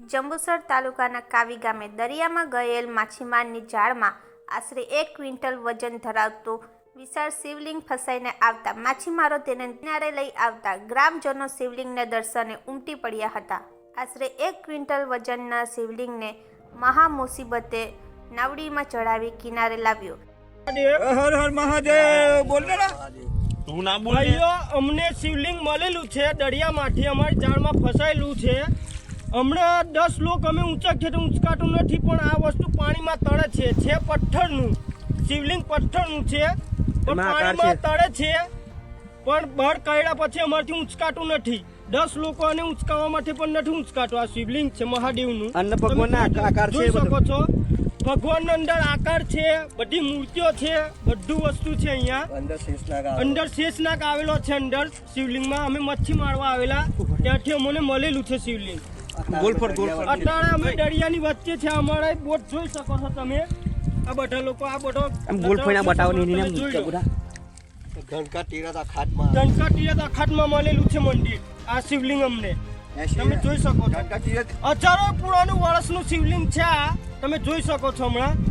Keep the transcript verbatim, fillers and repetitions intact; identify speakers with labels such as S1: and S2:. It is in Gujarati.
S1: જંબુસર તાલુકાના કાવી ગામે દરિયામાં ગયેલ માછીમારની જાળમાં આશરે એક ક્વિન્ટલ વજન ધરાવતું વિશાળ શિવલિંગ ફસાઈને આવતા માછીમારો તેને કિનારે લઈ આવતા ગ્રામજનો શિવલિંગને દર્શને ઉમટી પડ્યા હતા। આશરે એક ક્વિન્ટલ વજનના શિવલિંગને મહા મુસીબતે નાવડીમાં ચડાવી કિનારે લાવ્યો।
S2: હર હર મહાદેવ બોલ ને
S3: તું ના બોલ
S2: ભાઈઓ, અમને શિવલિંગ મળેલું છે દરિયામાંથી, અમારી જાળમાં ફસાયેલું છે। હમણાં દસ લોક અમે ઊંચા ખેતર ઊંચકાતું નથી, પણ આ વસ્તુ પાણીમાં તળે છે છે પથ્થરનું શિવલિંગ, પથ્થરનું છે પણ પાણીમાં તળે છે, પણ બળ કાઢ્યા પછી અમારથી ઊંચકાતું નથી। દસ લોકોને ઊંચકાવવા માટે પણ નથી ઊંચકાતું। આ શિવલિંગ છે મહાદેવનું,
S3: અન્ન ભગવાનના આકાર છે,
S2: જોઈ શકો છો। ભગવાનનો અંદર આકાર છે, બધી મૂર્તિઓ છે, બધું વસ્તુ છે। અહીંયા અંદર શેષનાગ આવેલો છે અંદર શિવલિંગમાં। અમે મચ્છી મારવા આવેલા ત્યાંથી અમને મળેલું છે શિવલિંગ।
S3: ગોલફર ગોલફર
S2: અત્યારે અમે દરિયાની વચ્ચે છે, અમારા બોટ જોઈ શકો છો તમે। આ બધા લોકો આ બધો
S3: ગોલફરના બતાવો ને એને
S4: ધનકા તીરથ ખાટમાં
S2: ધનકા તીરથ ખાટમાં મળેલું છે મંદિર આ શિવલિંગ અમને તમે જોઈ શકો છો। હજારો પુરાણું વર્ષનું શિવલિંગ છે આ, તમે જોઈ શકો છો હમણાં।